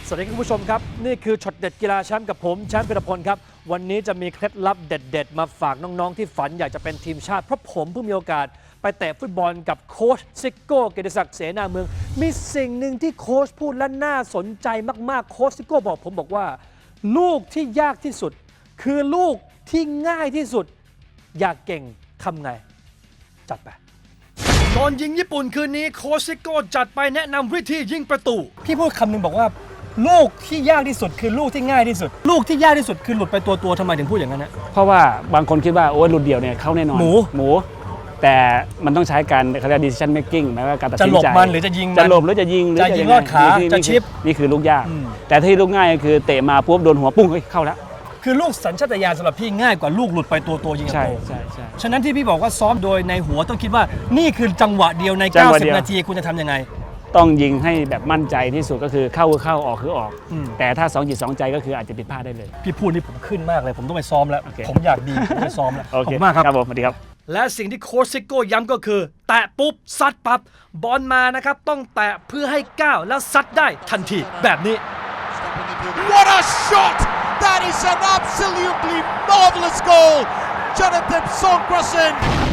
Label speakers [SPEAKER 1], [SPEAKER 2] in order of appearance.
[SPEAKER 1] สวัสดีคุณผู้ชมครับนี่คือช็อตเด็ดกีฬาแชมป์กับผมแชมป์พิรพลครับวันนี้จะมีเคล็ดลับเด็ดๆมาฝากน้องๆที่ฝันอยากจะเป็นทีมชาติเพราะผมเพิ่งมีโอกาสไปเตะฟุตบอลกับโค้ชซิโก้เกียรติศักดิ์เสนาเมืองมีสิ่งหนึ่งที่โค้ชพูดและน่าสนใจมากๆโค้ชซิโก้บอกว่าลูกที่ยากที่สุดคือลูกที่ง่ายที่สุดอยากเก่งทำไงจัดไปตอนยิงญี่ปุ่นคืนนี้โค้ชซิโก้จัดไปแนะนำวิธียิงประตูพี่พูดคำหนึ่งบอกว่าลูกที่ยากที่สุดคือลูกที่ง่ายที่สุดลูกที่ยากที่สุดคือหลุดไปตัวทำไมถึงพูดอย่างนั้นนะ
[SPEAKER 2] เพราะว่าบางคนคิดว่าโอ้ยหลุดเดี่ยวเนี่ยเข้าแน่นอนหมูแต่มันต้องใช้การเขาเรียก decision making หมายว่าการตัดสินใจ
[SPEAKER 1] จะหลบมันหรือจะยิงมัน
[SPEAKER 2] จะหลบหรือจะยิง
[SPEAKER 1] ลอดขาจะชิป
[SPEAKER 2] นี่คือลูกยากแต่ที่ลูกง่ายก็คือเตะมาปุ๊บโดนหัวปุ้งเข้าแล้ว
[SPEAKER 1] คือลูกสัญชาตญาณสำหรับพี่ง่ายกว่าลูกหลุดไปตัวยิง
[SPEAKER 2] ใช่
[SPEAKER 1] ฉะนั้นที่พี่บอกว่าซ้อมโดยในหัวต้องคิดว่านี่คือจังหวะเดียวใน90นาทีคุณจะทำยังไง
[SPEAKER 2] ต้องยิงให้แบบมั่นใจที่สุดก็คือเข้าออกคือออกแต่ถ้า2 จิต 2 ใจก็คืออาจจะผิดพลาดได้เลย
[SPEAKER 1] พี่พูดนี่ผมขึ้นมากเลยผมต้องไปซ้อมแล้วผมอยากดีผมไปซ้อมแล้วขอบคุณมากครับ
[SPEAKER 2] ครับผมสวัสดีครับ
[SPEAKER 1] และสิ่งที่โค้ชซิโก้ย้ำก็คือแตะปุ๊บซัดปั๊บบอลมานะครับต้องแตะเพื่อให้ก้าวแล้วซัดได้ทันทีแบบนี้
[SPEAKER 3] What a shot! That is an absolutely marvelous goal! Jonathan Songkrasen